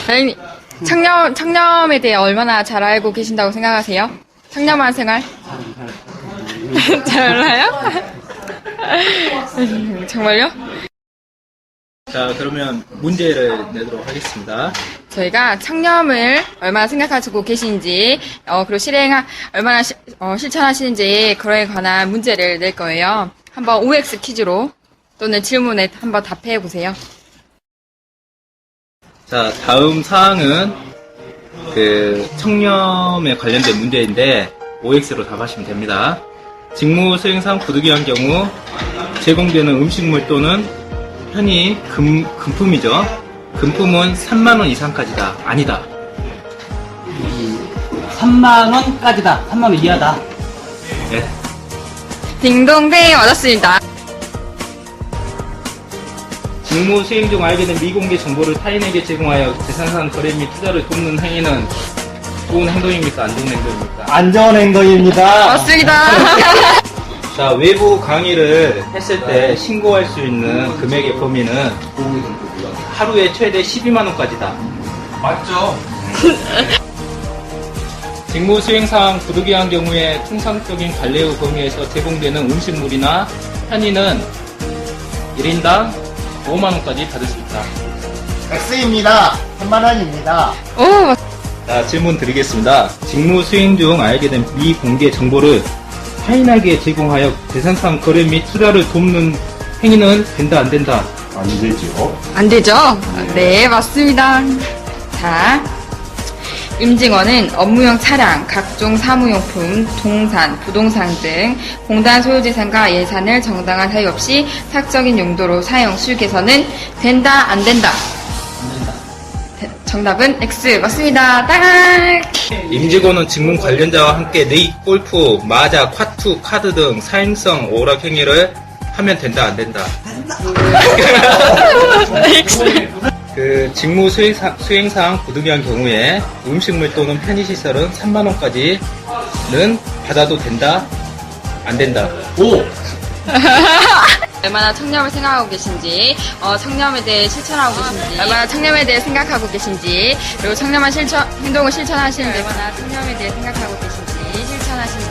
다행히 청렴에 대해 얼마나 잘 알고 계신다고 생각하세요? 청렴한 생활? 잘 알아요? 정말요? 자, 그러면 문제를 내도록 하겠습니다. 저희가 청렴을 얼마나 생각하시고 계신지, 그리고 얼마나 실천하시는지, 그거에 관한 문제를 낼 거예요. 한번 OX 퀴즈로 또는 질문에 한번 답해 보세요. 자, 다음 사항은 청렴에 관련된 문제인데 OX로 답하시면 됩니다. 직무 수행상 부득이한 경우 제공되는 음식물 또는 편의 금품이죠. 금품은 3만원 이상까지다. 아니다. 3만원까지다. 3만원 이하다. 네. 딩동댕 맞았습니다. 직무 수행 중 알게 된 미공개 정보를 타인에게 제공하여 재산상 거래 및 투자를 돕는 행위는 좋은 행동입니까? 안 좋은 행동입니까? 안 좋은 행동입니다. 맞습니다. 자, 외부 강의를 했을 때 신고할 수 있는 금액의 범위는 하루에 최대 12만원까지다. 맞죠? 직무 수행상 부득이한 경우에 통상적인 관례의 범위에서 제공되는 음식물이나 편의는 1인당 5만원까지 받을 수 있다. X입니다. 3만원입니다. 오, 자, 질문 드리겠습니다. 직무 수행 중 알게 된 미공개 정보를 타인에게 제공하여 재산상 거래 및 투자를 돕는 행위는 된다, 안 된다? 안 되죠. 안 되죠? 네, 맞습니다. 자, 임직원은 업무용 차량, 각종 사무용품, 동산, 부동산 등 공단 소유재산과 예산을 정당한 사유 없이 사적인 용도로 사용, 수익해서는 된다, 안 된다? 정답은 X 맞습니다. 딱! 임직원은 직무 관련자와 함께 네이, 골프, 마자, 콰투, 카드 등 사행성 오락 행위를 하면 된다, 안 된다? 직무 수행상 부득이한 경우에 음식물 또는 편의시설은 3만원까지는 받아도 된다, 안 된다? 오! 얼마나 청렴을 생각하고 계신지, 청렴에 대해 실천하고 계신지, 얼마나 청렴에 대해 생각하고 계신지, 그리고 청렴한 행동을 실천하시는데 얼마나 청렴에 대해 생각하고 계신지, 실천하시는지